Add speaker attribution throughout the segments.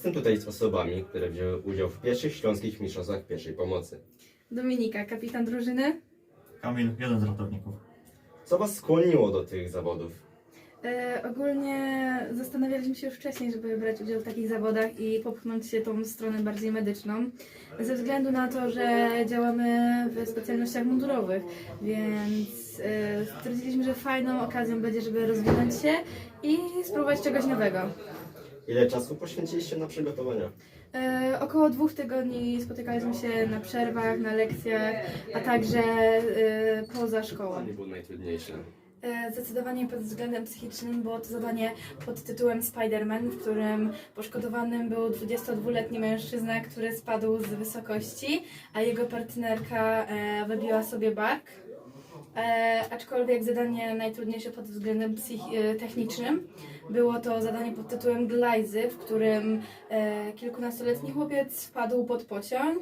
Speaker 1: Jestem tutaj z osobami, które wzięły udział w pierwszych śląskich mistrzostwach pierwszej pomocy.
Speaker 2: Dominika, kapitan drużyny.
Speaker 3: Kamil, jeden z ratowników.
Speaker 1: Co Was skłoniło do tych zawodów?
Speaker 2: Ogólnie zastanawialiśmy się już wcześniej, żeby brać udział w takich zawodach i popchnąć się tą stronę bardziej medyczną. Ze względu na to, że działamy w specjalnościach mundurowych, więc stwierdziliśmy, że fajną okazją będzie, żeby rozwinąć się i spróbować czegoś nowego.
Speaker 1: Ile czasu poświęciliście na przygotowania?
Speaker 2: Około 2 tygodni spotykaliśmy się na przerwach, na lekcjach, a także poza szkołą.
Speaker 1: Nie było najtrudniejsze.
Speaker 2: Zdecydowanie pod względem psychicznym było to zadanie pod tytułem Spider-Man, w którym poszkodowanym był 22-letni mężczyzna, który spadł z wysokości, a jego partnerka wybiła sobie bark. Aczkolwiek zadanie najtrudniejsze pod względem technicznym było to zadanie pod tytułem Glajzy, w którym kilkunastoletni chłopiec wpadł pod pociąg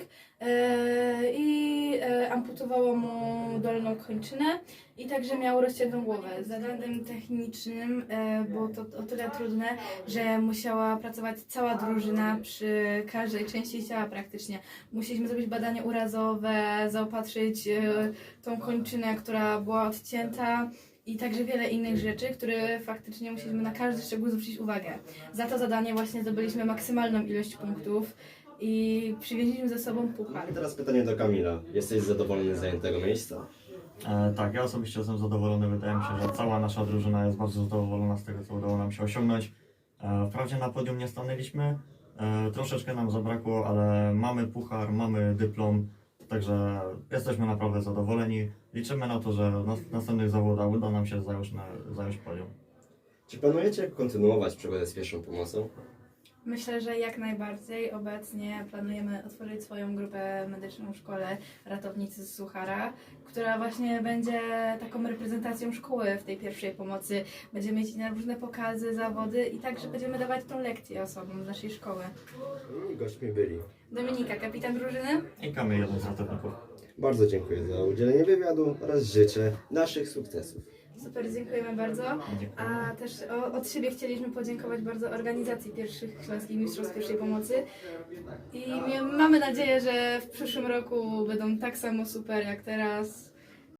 Speaker 2: i amputowało mu dolną kończynę i także miał rozciętą głowę. Zadaniem technicznym było to o tyle trudne, że musiała pracować cała drużyna przy każdej części ciała praktycznie. Musieliśmy zrobić badanie urazowe, zaopatrzyć tą kończynę, która była odcięta i także wiele innych rzeczy, które faktycznie musieliśmy na każdy szczegół zwrócić uwagę. Za to zadanie właśnie zdobyliśmy maksymalną ilość punktów i przywieźliśmy ze sobą puchar.
Speaker 1: I teraz pytanie do Kamila. Jesteś zadowolony z zajętego miejsca?
Speaker 3: Tak, ja osobiście jestem zadowolony. Wydaje mi się, że cała nasza drużyna jest bardzo zadowolona z tego, co udało nam się osiągnąć. Wprawdzie na podium nie stanęliśmy, troszeczkę nam zabrakło, ale mamy puchar, mamy dyplom, także jesteśmy naprawdę zadowoleni. Liczymy na to, że w następnych zawodach uda nam się zająć podium.
Speaker 1: Czy planujecie kontynuować przygodę z pierwszą pomocą?
Speaker 2: Myślę, że jak najbardziej. Obecnie planujemy otworzyć swoją grupę medyczną w szkole Ratownicy z Suchara, która właśnie będzie taką reprezentacją szkoły w tej pierwszej pomocy. Będziemy mieć na różne pokazy, zawody i także będziemy dawać tą lekcję osobom z naszej szkoły.
Speaker 1: I gośćmi byli.
Speaker 2: Dominika, kapitan drużyny.
Speaker 3: I Kamil, jeden z ratowników.
Speaker 1: Bardzo dziękuję za udzielenie wywiadu oraz życzę naszych sukcesów.
Speaker 2: Super, dziękujemy bardzo.
Speaker 3: Dziękuję.
Speaker 2: A też od siebie chcieliśmy podziękować bardzo organizacji pierwszych śląskich mistrzostw pierwszej pomocy i mamy nadzieję, że w przyszłym roku będą tak samo super jak teraz.